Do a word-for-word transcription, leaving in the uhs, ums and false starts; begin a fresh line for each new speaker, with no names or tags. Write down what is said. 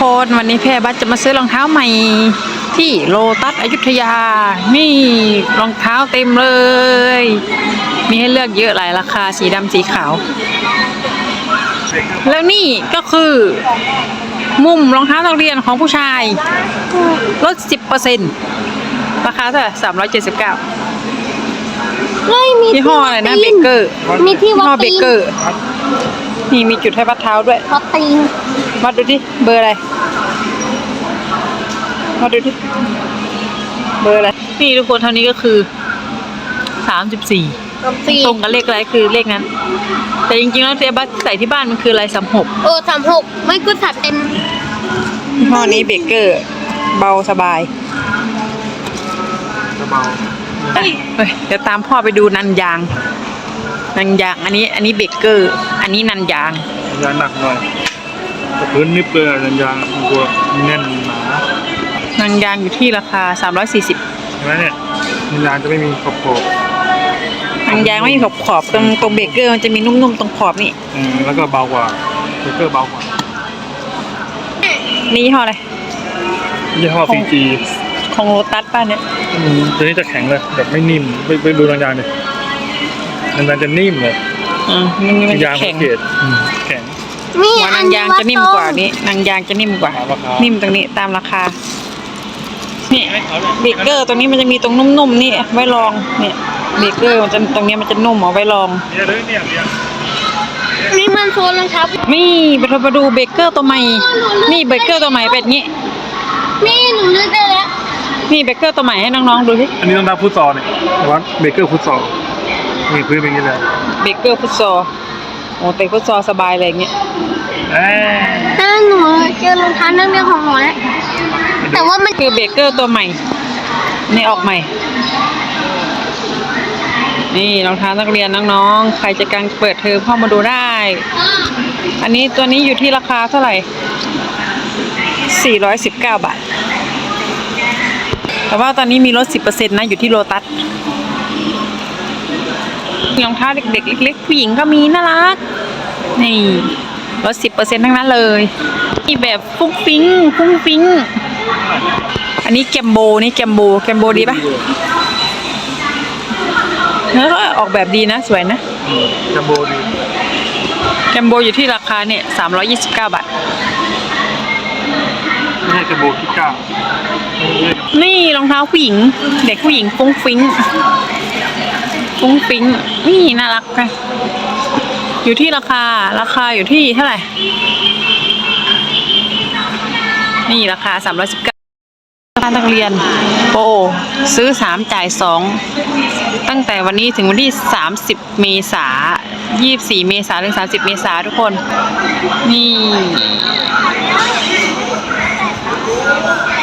คนวันนี้แพรบัสจะมาซื้อรองเท้าใหม่ที่โลตัสอยุธยานี่รองเท้าเต็มเลยมีให้เลือกเยอะหลายราคาสีดำสีขาวแล้วนี่ก็คือมุมรองเท้านักเรียนของผู้ชายลด สิบเปอร์เซ็นต์ ราคาเท่าไหร่สามร้อยเจ็ดสิบเก้ายี่ห้ออะไรนะเบเกอร์
มีที่วัด
ยี่ห้อเบ
ตีน
เกอร์นี่มีจุดให้วัดเท้าด้วย
วัดตีน
วัดดูดิเบอร์อะไรวัดดูดิเบอร์อะไรนี่ทุกคนเท่านี้ก็คือสามสิบสี่ตรงกับเลขอะไรคือเลขนั้นแต่จริงๆแล้วเทบัสใส่ที่บ้านมันคืออะไรสามหก
เออสามหกไม่ก็ถัดเต็ม
ยี่ห้อนี้เบเกอร์เบาสบาย
เบา
เฮ้ยเดี๋ยวตามพ่อไปดูนันยางนันยางอันนี้อันนี้เบเกอร์อันนี้นันยาง
ยางหนักหน่อยแต่พื้นนิบเลยยางยางตัวแน่นหนา
นันยางอยู่ที่ราคาสามร้อยสี่สิบ
เห็นไหมเนี่ยยางจะไม่มีขอบขอบ
นันยางไม่มีขอบขอบตรงตรงเบเกอร์มันจะมีนุ่มๆตรงขอบนี่
อืมแล้วก็เบากว่าเบเกอร์เบากว่า
นี่ยี่ห้ออะไร
ยี่ห้อซีจี
ของโลตัสป้าเนี่ย
อืมตัวนี้จะแข็งเลยแบบไม่นิ่มไปไปดูยางๆดิยางจะนิ่มเลย
อืมมันมันจะแข็ง
แข็ง
หัวนางยางจะนิ่มกว่านี้นางยางจะนิ่มกว่านิ่มตรงนี้ตามราคานี่เบเกอร์ตัวนี้มันจะมีตรงนุ่มๆนี่ไว้ลองเนี่ยเบเกอร์มันจะตรงนี้มันจะนุ่มเอาไว้ลอง
นี่มันโซนรองเท้า
นี่ไปทมาดูเบเกอร์ตัวใหม่นี่เบเกอร์ตัวใหม่เป็นงี้
นี่หนูนึกได้แล้ว
นี่เบเกอร์ตัวใหม่ให้น้องๆดูสิ
อันนี้ต้องทำฟุตซอลเนี่ยวัดเบเกอร์ฟุตซอลมีพื้นเป็นอย่างนี้เลย
เบเกอร์ฟุตซอลโอ้เตะฟุตซอลสบายเลยอย่างเงี้ย
ถ้าหนูเจอรองเท้านักเรียนของหนูแล้วแต่ว่ามัน
คือเบเกอร์ตัวใหม่นี่ออกใหม่นี่รองเท้านักเรียนน้องๆใครจะกางเปิดเทอมเข้ามาดูได้อันนี้ตัวนี้อยู่ที่ราคาเท่าไหร่สี่ร้อยสิบเก้าบาทแต่ว่าตอนนี้มีลด สิบเปอร์เซ็นต์ นะอยู่ที่โลตัสรองเท้าเด็กๆเล็กๆผู้หญิงก็มีน่ารักนี่ลด สิบเปอร์เซ็นต์ ทั้งนั้นเลยนี่แบบฟุ้งฟิ้งฟุ้งฟิ้งอันนี้แกมโบนี่แกมโบแกมโบดีปะเนื้อก็ออกแบบดีนะสวยนะ
แกมโบดี
แกมโบอยู่ที่ราคาเนี่ยสามร้อยยี่สิบเก้าบาท
ไม่ใช่แกมโบที่เก้า
นี่รองเท้าผู้หญิงเด็กผู้หญิงฟุ้งฟิ้งฟุ้งฟิ้งนี่น่ารักค่ะอยู่ที่ราคาราคาอยู่ที่เท่าไหร่นี่ราคาสามร้อยสิบเก้าราคานักเรียนโอ้ซื้อสามจ่ายสองตั้งแต่วันนี้ถึงวันที่สามสิบเมษายนยี่สิบสี่เมษายนถึงสามสิบเมษายนทุกคนนี่